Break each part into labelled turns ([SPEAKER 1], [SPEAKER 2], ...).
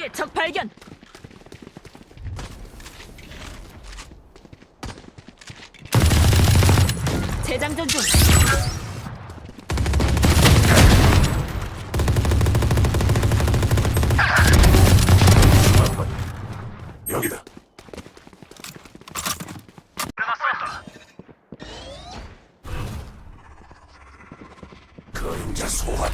[SPEAKER 1] 앞에 적 발견. 재장전 중.
[SPEAKER 2] 여기다. 그림자 소환.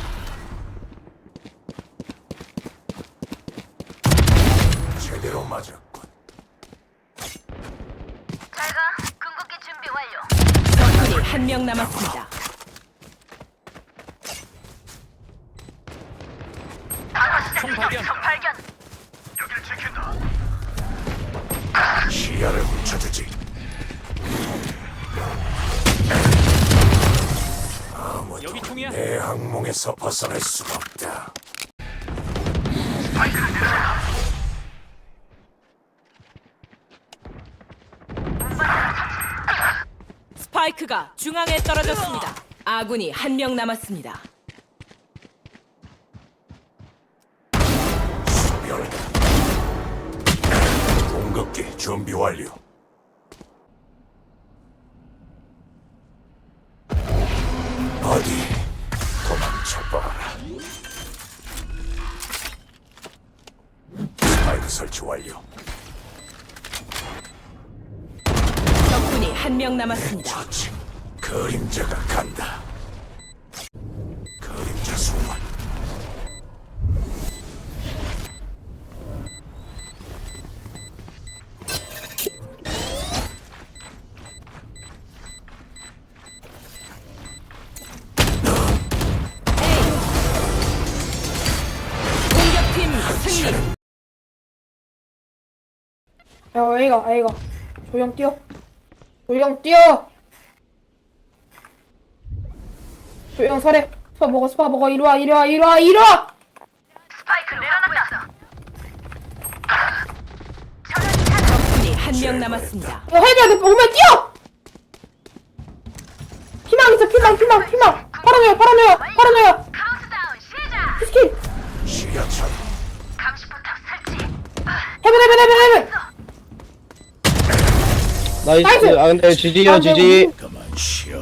[SPEAKER 2] 제대로 맞았군.
[SPEAKER 3] 잘가. 궁극기 준비 완료.
[SPEAKER 1] 적군이 한 명 남았습니다.
[SPEAKER 3] 총 발견. 적 발견.
[SPEAKER 2] 여길 지킨다. 시야를 훔쳐주지. 아무도
[SPEAKER 4] 여기 총이야.
[SPEAKER 2] 내 악몽에서 벗어날 수가 없다.
[SPEAKER 1] 스파이크가 중앙에 떨어졌습니다. 아군이 한 명 남았습니다.
[SPEAKER 2] 수멸다. 공격기 준비 완료. 어디 도망쳐봐라. 스파이크 설치 완료.
[SPEAKER 1] 적군이 한 명 남았습니다.
[SPEAKER 2] 저치 그림자가 간다. 그림자 소환.
[SPEAKER 1] 공격팀 승리.
[SPEAKER 5] 야, A가. 조용 뛰어. 조용 뛰어. 조용 서래. 스파 먹어. 이리 와.
[SPEAKER 3] 스파이크 내려놨다.
[SPEAKER 1] 적군이 한 명 남았습니다.
[SPEAKER 5] 야, 헤비야, 너 오면 뛰어. 피망 있어, 피망. 팔아내요.
[SPEAKER 3] 카운트다운 시작.
[SPEAKER 5] 스킨.
[SPEAKER 2] 시야처럼
[SPEAKER 3] 감시포탑 설치.
[SPEAKER 5] 헤븐.
[SPEAKER 6] 나이스.
[SPEAKER 5] 나이스.
[SPEAKER 6] 아 근데 GG요
[SPEAKER 5] 아, 근데
[SPEAKER 6] GG.
[SPEAKER 2] 그만 쉬어.